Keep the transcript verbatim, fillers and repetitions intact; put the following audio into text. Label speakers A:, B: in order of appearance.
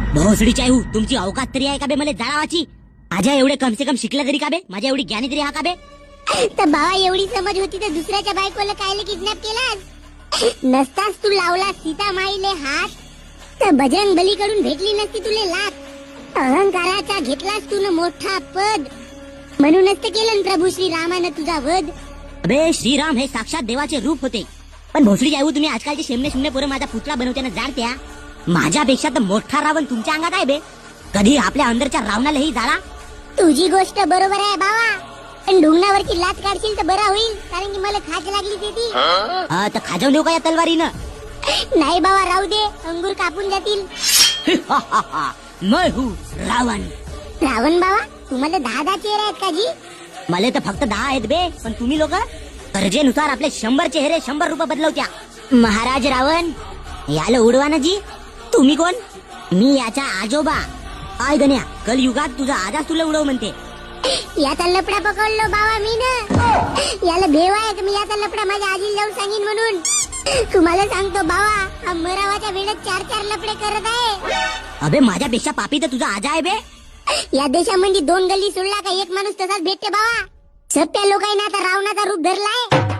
A: भोसडीची आई तुमची अवकात तरी आहे का बे मला जाळावाची? माझ्या एवढे कमसे कम शिकला तरी का बे? माझ्या एवढी ज्ञानी तरी हा का बे?
B: तर बाबा एवढी समज होती तर दुसऱ्याच्या बायकोला कायले किडनॅप केलास? नसतास तू लावला सीता माईले हात तर बजरंग बली कडून भेटली नसती तुले लात. अहंकाराचा घेतलास तू न मोठा पद, म्हणूनच तर केलं प्रभू श्री रामानं तुझा वध.
A: अबे श्रीराम हे साक्षात देवाचे रूप होते. पण भोसडी जाऊ तुम्ही आजकालचे शेमने शेमने पोरं माझा पुतळा बनवताना जाणत्या. माझ्यापेक्षा तर मोठा रावण तुमच्या अंगात आहे बे. कधी आपल्या अंदरच्या रावणालाही जाळा.
B: तुझी गोष्ट बरोबर आहे बाबा, पण ढुंगणावरची लात काढशील तर बरा होईल, कारण की मला खाज लागली ती.
A: हा तर खाजवून देऊ का या तलवारीनं?
B: नाही बाबा राहू दे, अंगूर कापून जातील.
A: मैं हूँ रावण.
B: रावण बाबा तुम्हाला दहा दहा चेहरे आहेत का जी?
A: मला तर फक्त दहा आहेत बे, पण तुम्ही लोक गरजेनुसार आपले शंभर चेहरे शंभर रुपये बदलवत्या. महाराज रावण याला उडवा ना जी. तुम्ही कोण? मी याचा आजोबा. आय गण्या कलयुगात तुझा आजाच तुला उडव म्हणते.
B: याचा लपडा पकडलो बाबा मी ना. याला भेव आहे की मी याचा लपडा माझ्या आजीला जाऊन सांगेन म्हणून. तुम्हाला सांगतो बाबा, हा मरावाच्या वेळेत चार चार लपडे करत आहे.
A: अबे माझ्यापेक्षा पापी तर तुझा आजा आहे बे.
B: या देशामध्ये दोन गल्ली सोडला का एक माणूस तसाच भेटते बाबा. सत्या लोकांना आता रावणाचा रूप धरलाय.